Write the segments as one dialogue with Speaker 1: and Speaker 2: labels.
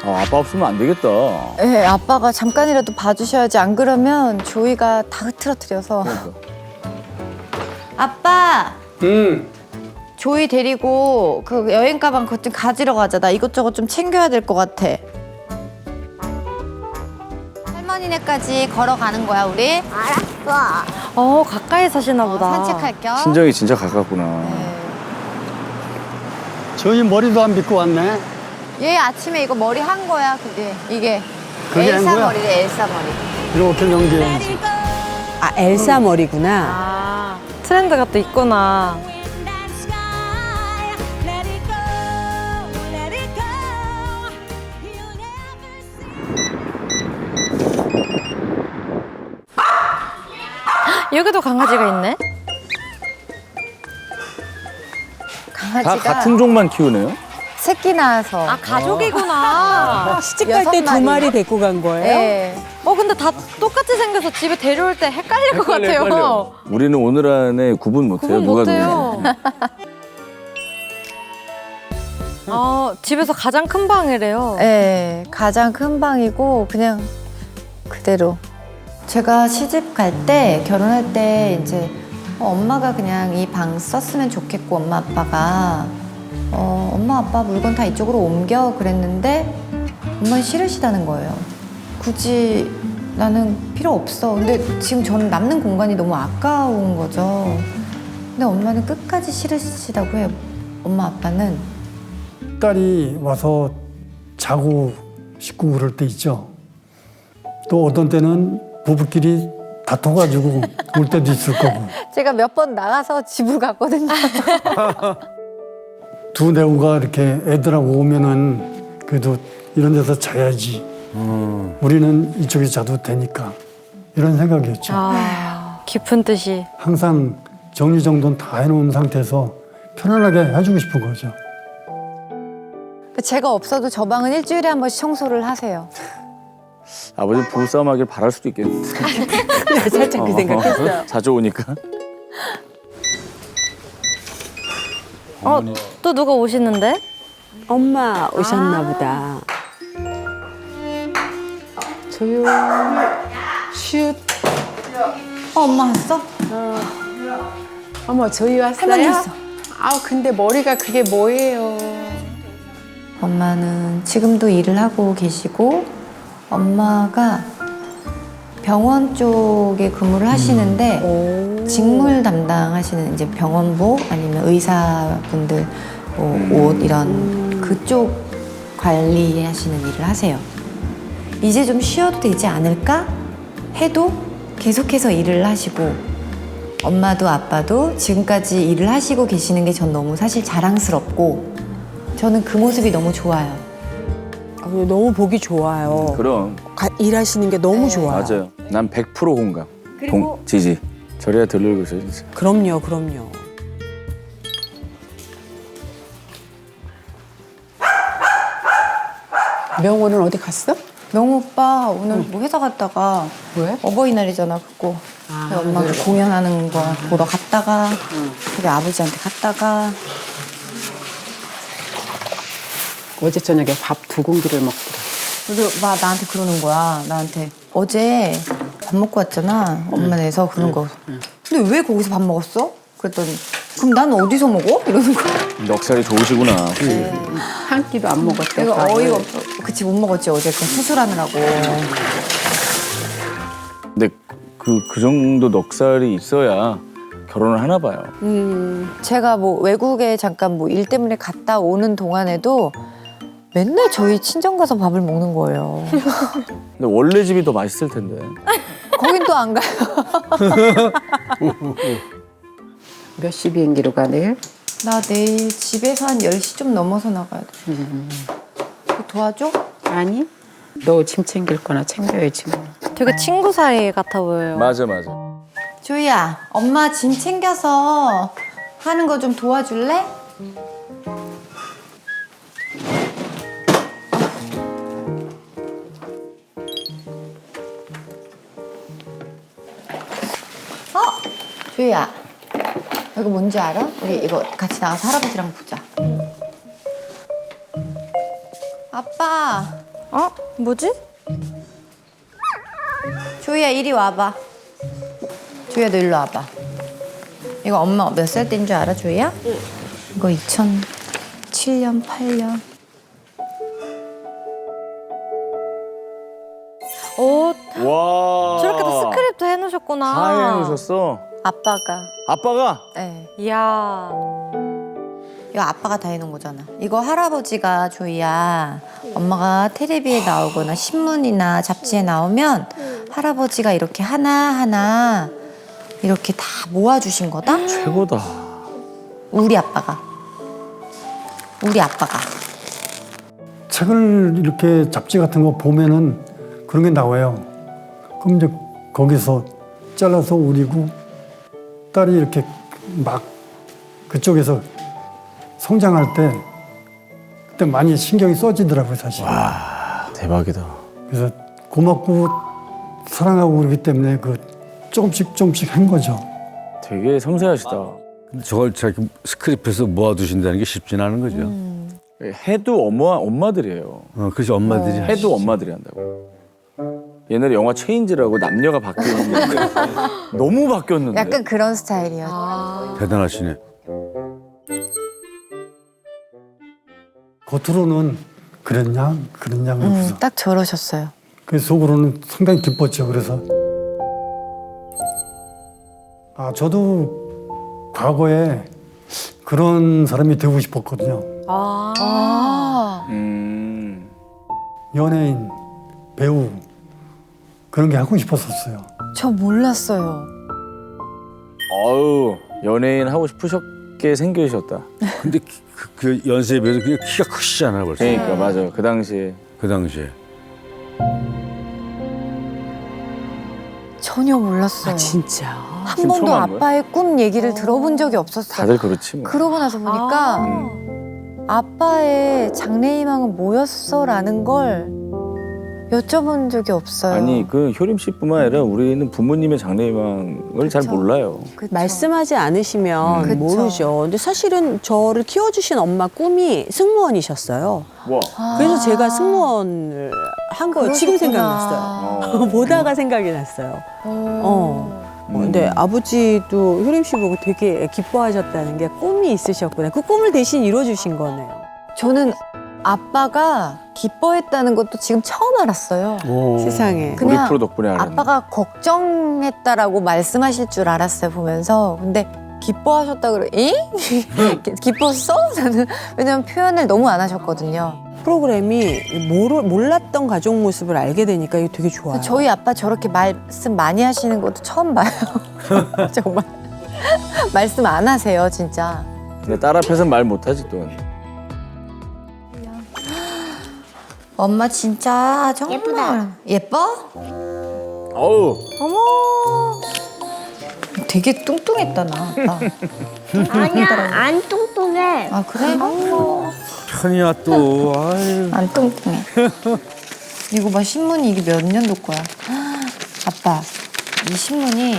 Speaker 1: 아빠 없으면 안 되겠다.
Speaker 2: 네, 아빠가 잠깐이라도 봐주셔야지. 안 그러면 조이가 다 흐트러뜨려서.
Speaker 1: 그러니까.
Speaker 2: 아빠! 조이 데리고 그 여행 가방 그것 좀 가지러 가자. 나 이것저것 좀 챙겨야 될 것 같아. 할머니네까지 걸어가는 거야, 우리?
Speaker 3: 어, 가까이 사시나 보다.
Speaker 2: 산책할 겸.
Speaker 1: 친정이 진짜 가깝구나.
Speaker 2: 네.
Speaker 4: 저희 머리도 안 빗고 왔네.
Speaker 2: 얘 아침에 이거 머리 한 거야, 그게. 이게.
Speaker 4: 그게 한
Speaker 2: 엘사
Speaker 4: 거야?
Speaker 2: 머리래, 엘사 머리.
Speaker 4: 이렇게 연기해야지.
Speaker 5: 아, 엘사 머리구나.
Speaker 3: 아, 트렌드가 또 있구나. 여기도 강아지가 있네?
Speaker 2: 강아지가
Speaker 1: 다 같은 종만 키우네요?
Speaker 2: 새끼 낳아서.
Speaker 3: 아, 가족이구나.
Speaker 5: 시집 갈 때 2마리 데리고 간 거예요?
Speaker 2: 네.
Speaker 3: 근데 다 똑같이 생겨서 집에 데려올 때 헷갈릴 것 같아요.
Speaker 1: 헷갈려. 우리는 오늘 안에 구분 못해요.
Speaker 3: 구분
Speaker 1: 누가
Speaker 3: 못해요. 집에서 가장 큰 방이래요.
Speaker 2: 네, 가장 큰 방이고 그냥 그대로. 제가 시집 갈 때, 결혼할 때 이제 엄마가 그냥 이 방 썼으면 좋겠고 엄마 아빠가 엄마 아빠 물건 다 이쪽으로 옮겨 그랬는데 엄마는 싫으시다는 거예요. 굳이 나는 필요 없어. 근데 지금 저는 남는 공간이 너무 아까운 거죠. 근데 엄마는 끝까지 싫으시다고 해요. 엄마 아빠는.
Speaker 4: 딸이 와서 자고 씻고 그럴 때 있죠. 또 어떤 때는 부부끼리 다퉈가지고 올 때도 있을 거고.
Speaker 2: 제가 몇 번 나가서 집을 갔거든요.
Speaker 4: 두 내우가 이렇게 애들하고 오면은 그래도 이런 데서 자야지. 우리는 이쪽에 자도 되니까. 이런 생각이었죠.
Speaker 3: 깊은 뜻이.
Speaker 4: 항상 정리정돈 다 해놓은 상태에서 편안하게 해주고 싶은 거죠.
Speaker 2: 제가 없어도 저 방은 일주일에 한 번씩 청소를 하세요.
Speaker 1: 아버지 부부싸움 하길 바랄 수도 있겠는데.
Speaker 5: 살짝 그 생각했어요.
Speaker 1: 자주 오니까.
Speaker 3: 또 누가 오시는데?
Speaker 5: 엄마 오셨나 보다.
Speaker 6: 조용 슛.
Speaker 2: 엄마 왔어?
Speaker 6: 어머 저희 왔어요?
Speaker 2: 할머니 왔어.
Speaker 6: 아우 근데 머리가 그게 뭐예요?
Speaker 2: 엄마는 지금도 일을 하고 계시고 엄마가 병원 쪽에 근무를 하시는데 직물 담당하시는 이제 병원복 아니면 의사분들 뭐 옷 이런 그쪽 관리하시는 일을 하세요. 이제 좀 쉬어도 되지 않을까 해도 계속해서 일을 하시고 엄마도 아빠도 지금까지 일을 하시고 계시는 게 전 너무 사실 자랑스럽고 저는 그 모습이 너무 좋아요.
Speaker 5: 너무 보기 좋아요.
Speaker 1: 그럼.
Speaker 5: 일하시는 게 너무
Speaker 2: 네.
Speaker 5: 좋아요.
Speaker 1: 맞아요. 난 100% 공감. 지지. 저래야 덜 늙고 있어요, 진짜.
Speaker 5: 그럼요, 그럼요.
Speaker 6: 명호는 어디 갔어?
Speaker 2: 명호 오빠 오늘 뭐 회사 갔다가
Speaker 6: 왜?
Speaker 2: 어버이날이잖아 그거 엄마가 공연하는 거 보러 갔다가 그리고 아버지한테 갔다가
Speaker 6: 어제 저녁에 밥 2공기를 먹더라.
Speaker 2: 그리고 막 나한테 그러는 거야. 나한테 어제 밥 먹고 왔잖아 엄마네에서 그런 거 근데 왜 거기서 밥 먹었어? 그랬더니 그럼 난 어디서 먹어? 이러는 거야.
Speaker 1: 넉살이 좋으시구나.
Speaker 6: 한 끼도 안 먹었대.
Speaker 2: 내가
Speaker 6: 밥을.
Speaker 2: 어이가 없어. 그치 못 먹었지 어제 그 수술하느라고.
Speaker 1: 근데 그 정도 넉살이 있어야 결혼을 하나 봐요.
Speaker 2: 제가 뭐 외국에 잠깐 뭐 일 때문에 갔다 오는 동안에도 맨날 저희 친정 가서 밥을 먹는 거예요.
Speaker 1: 근데 원래 집이 더 맛있을 텐데.
Speaker 2: 거긴 또 안 가요.
Speaker 6: 몇 시 비행기로 가 내일?
Speaker 2: 나 내일 집에서 한 10시 좀 넘어서 나가야 돼. 도와줘?
Speaker 6: 아니. 너 짐 챙길 거나 챙겨야지 뭐.
Speaker 3: 되게 친구 사이 같아 보여요.
Speaker 1: 맞아.
Speaker 2: 조이야, 엄마 짐 챙겨서 하는 거 좀 도와줄래? 조이야, 이거 뭔지 알아? 우리 이거 같이 나가서 할아버지랑 보자. 아빠,
Speaker 3: 어? 뭐지?
Speaker 2: 조이야 이리 와봐. 조이야 너 일로 와봐. 이거 엄마 몇 살 때인 줄 알아 조이야? 응. 이거 2007년 8년.
Speaker 3: 오,
Speaker 1: 와.
Speaker 3: 저렇게 또 스크립트 해놓으셨구나.
Speaker 1: 다 해놓으셨어.
Speaker 2: 아빠가.
Speaker 1: 아빠가?
Speaker 2: 네.
Speaker 3: 이야.
Speaker 2: 이거 아빠가 다 해놓은 거잖아. 이거 할아버지가 조이야. 엄마가 텔레비에 나오거나 신문이나 잡지에 나오면 할아버지가 이렇게 하나하나 이렇게 다 모아주신 거다?
Speaker 1: 최고다.
Speaker 2: 우리 아빠가. 우리 아빠가.
Speaker 4: 책을 이렇게 잡지 같은 거 보면은 그런 게 나와요. 그럼 이제 거기서 잘라서 우리고 딸이 이렇게 막 그쪽에서 성장할 때 그때 많이 신경이 써지더라고요, 사실.
Speaker 1: 와, 대박이다.
Speaker 4: 그래서 고맙고 사랑하고 그러기 때문에 그 조금씩 한 거죠.
Speaker 1: 되게 섬세하시다.
Speaker 7: 근데 저걸 자기 스크립트에서 모아두신다는 게 쉽진 않은 거죠.
Speaker 1: 해도 엄마들이에요.
Speaker 7: 그래서 엄마들이
Speaker 1: 해도 엄마들이 한다고. 옛날에 영화 체인지라고 남녀가 바뀌었는데 너무 바뀌었는데.
Speaker 2: 약간 그런 스타일이었어.
Speaker 7: 대단하시네.
Speaker 4: 겉으로는 그랬냐 그러면서
Speaker 2: 딱 저러셨어요.
Speaker 4: 그 속으로는 상당히 기뻤죠. 그래서 저도 과거에 그런 사람이 되고 싶었거든요. 연예인, 배우 그런 게 하고 싶었었어요.
Speaker 2: 저 몰랐어요.
Speaker 1: 어우, 연예인 하고 싶으셨게 생기셨다.
Speaker 7: 근데 그 연세에 비해서 그냥 키가 크시잖아요, 벌써.
Speaker 1: 그러니까 맞아. 그 당시에.
Speaker 7: 그 당시에.
Speaker 2: 전혀 몰랐어요.
Speaker 5: 아, 진짜.
Speaker 2: 한
Speaker 1: 지금
Speaker 2: 번도
Speaker 1: 처음 한 거야?
Speaker 2: 아빠의 꿈 얘기를 들어본 적이 없었어요.
Speaker 1: 다들 그렇지 뭐.
Speaker 2: 그러고 나서 보니까 아빠의 장래희망은 뭐였어라는 걸 여쭤본 적이 없어요.
Speaker 1: 아니 그 효림 씨뿐만 아니라 우리는 부모님의 장래희망을 잘
Speaker 2: 그쵸.
Speaker 1: 몰라요.
Speaker 2: 그쵸?
Speaker 5: 말씀하지 않으시면
Speaker 2: 그쵸.
Speaker 5: 모르죠. 근데 사실은 저를 키워주신 엄마 꿈이 승무원이셨어요.
Speaker 1: 와.
Speaker 5: 그래서 제가 승무원을 한 거예요. 지금
Speaker 2: 그러셨구나.
Speaker 5: 생각났어요. 보다가 생각이 났어요. 근데 아버지도 효림 씨 보고 되게 기뻐하셨다는 게 꿈이 있으셨구나. 그 꿈을 대신 이뤄주신 거네요.
Speaker 2: 저는 아빠가 기뻐했다는 것도 지금 처음 알았어요.
Speaker 5: 세상에.
Speaker 1: 우리
Speaker 2: 그냥
Speaker 1: 프로 덕분에 알았네.
Speaker 2: 아빠가 걱정했다라고 말씀하실 줄 알았어요, 보면서. 근데 기뻐하셨다 그래. 잉? 기뻤어? 나는 왜냐면 표현을 너무 안 하셨거든요.
Speaker 5: 프로그램이 몰랐던 가족 모습을 알게 되니까 이게 되게 좋아요.
Speaker 2: 저희 아빠 저렇게 말씀 많이 하시는 것도 처음 봐요. 정말. 말씀 안 하세요, 진짜.
Speaker 1: 근데 딸 앞에서는 말 못하지 또.
Speaker 2: 엄마 진짜 정말
Speaker 8: 예쁘다.
Speaker 2: 예뻐?
Speaker 1: 어우.
Speaker 3: 어머.
Speaker 2: 되게 뚱뚱했다 나 아빠.
Speaker 8: 아니야, 안 뚱뚱해.
Speaker 2: 아 그래?
Speaker 7: 편이야 또. 아유.
Speaker 2: 안 뚱뚱해. 이거 봐 신문이 이게 몇 년도 거야? 아빠 이 신문이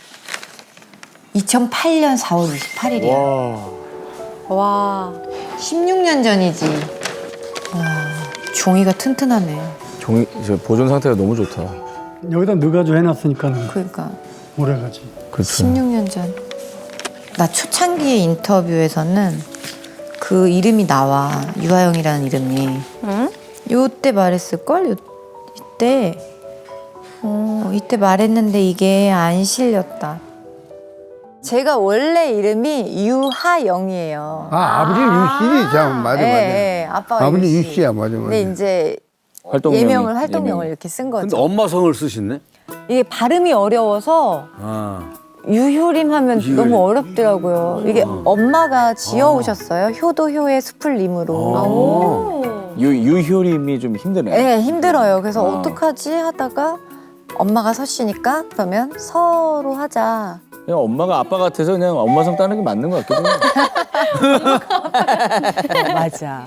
Speaker 2: 2008년 4월 28일이야.
Speaker 1: 와.
Speaker 3: 와.
Speaker 2: 16년 전이지. 와 종이가 튼튼하네.
Speaker 1: 종이 보존 상태가 너무 좋다.
Speaker 4: 여기다 넣어가지고 해놨으니까는
Speaker 2: 그러니까
Speaker 4: 오래가지.
Speaker 1: 그렇죠.
Speaker 2: 16년 전. 나 초창기의 인터뷰에서는 그 이름이 나와. 유아영이라는 이름이.
Speaker 3: 응?
Speaker 2: 요때 말했을걸? 이때. 이때 말했는데 이게 안 실렸다. 제가 원래 이름이 유하영이에요.
Speaker 9: 아버지는 유씨지, 참, 맞아, 맞아.
Speaker 2: 예, 아빠가
Speaker 9: 아버지
Speaker 2: 유씨.
Speaker 9: 유씨야, 맞아, 맞아.
Speaker 2: 근데 이제
Speaker 1: 활동명이,
Speaker 2: 활동명을
Speaker 1: 예명이.
Speaker 2: 이렇게 쓴 거죠.
Speaker 7: 근데 엄마 성을 쓰셨네?
Speaker 2: 이게 발음이 어려워서
Speaker 7: 아.
Speaker 2: 유효림 하면
Speaker 7: 유효림.
Speaker 2: 너무 어렵더라고요. 이게 엄마가 지어오셨어요. 효도효의 수풀림으로.
Speaker 1: 유효림이 좀 힘드네.
Speaker 2: 네, 힘들어요. 그래서 어떡하지 하다가 엄마가 서씨니까 그러면 서로 하자.
Speaker 1: 그냥 엄마가 아빠 같아서 그냥 엄마 성 따는 게 맞는 것 같기도 해요.
Speaker 5: 맞아.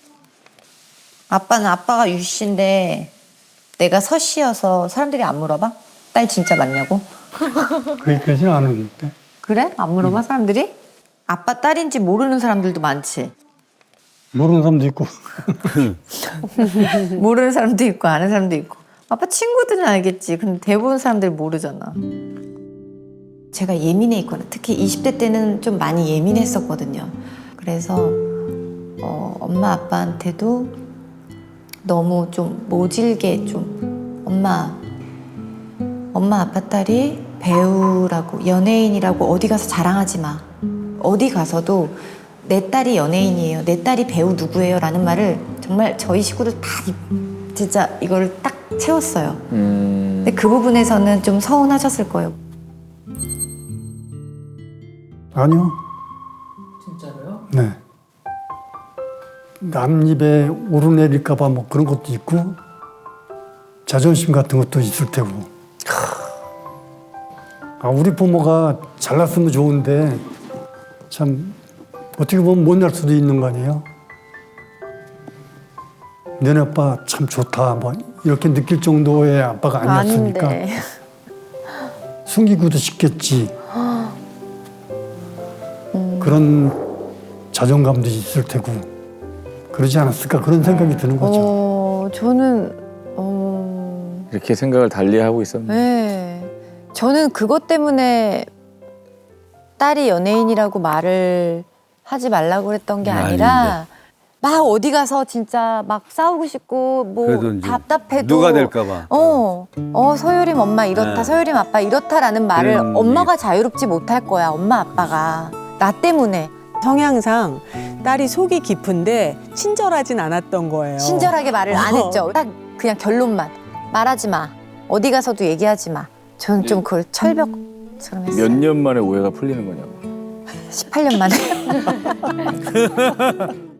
Speaker 2: 아빠는 아빠가 유씨인데 내가 서씨여서 사람들이 안 물어봐? 딸 진짜 맞냐고?
Speaker 4: 거기까지는 안 오는데.
Speaker 2: 그래? 안 물어봐 사람들이? 아빠 딸인지 모르는 사람들도 많지.
Speaker 4: 모르는 사람도 있고.
Speaker 2: 모르는 사람도 있고 아는 사람도 있고. 아빠 친구들은 알겠지. 근데 대부분 사람들 모르잖아. 제가 예민해 있거나 특히 20대 때는 좀 많이 예민했었거든요. 그래서 엄마 아빠한테도 너무 좀 모질게 좀 엄마 아빠 딸이 배우라고 연예인이라고 어디 가서 자랑하지 마. 어디 가서도 내 딸이 연예인이에요. 내 딸이 배우 누구예요? 라는 말을 정말 저희 식구들 다 진짜 이걸 딱 채웠어요. 근데 그 부분에서는 좀 서운하셨을 거예요.
Speaker 4: 아니요. 진짜로요? 네. 남 입에 오르내릴까 봐 뭐 그런 것도 있고 자존심 같은 것도 있을 테고. 우리 부모가 잘났으면 좋은데 참 어떻게 보면 못날 수도 있는 거 아니에요? 너네 아빠 참 좋다 뭐 이렇게 느낄 정도의 아빠가 아니었으니까
Speaker 3: 아닌데.
Speaker 4: 숨기고도 싶겠지. 그런 자존감도 있을 테고 그러지 않았을까 그런 생각이 드는 거죠.
Speaker 3: 저는
Speaker 1: 이렇게 생각을 달리하고 있었네.
Speaker 3: 네. 저는 그것 때문에 딸이 연예인이라고 말을 하지 말라고 그랬던 게 아니라 막 어디 가서 진짜 막 싸우고 싶고
Speaker 7: 그래도
Speaker 3: 뭐
Speaker 7: 이제
Speaker 3: 답답해도
Speaker 7: 누가 될까봐.
Speaker 3: 서유림 엄마 이렇다,
Speaker 7: 네.
Speaker 3: 서유림 아빠 이렇다라는 말을
Speaker 7: 그런
Speaker 3: 엄마가 자유롭지 못할 거야, 엄마 아빠가. 나 때문에.
Speaker 5: 성향상 딸이 속이 깊은데 친절하진 않았던 거예요.
Speaker 3: 친절하게 말을 안 했죠. 딱 그냥 결론만. 말하지 마. 어디 가서도 얘기하지 마. 저는 좀 그걸 철벽처럼 했어요.
Speaker 1: 몇 년 만에 오해가 풀리는 거냐고.
Speaker 3: 18년 만에.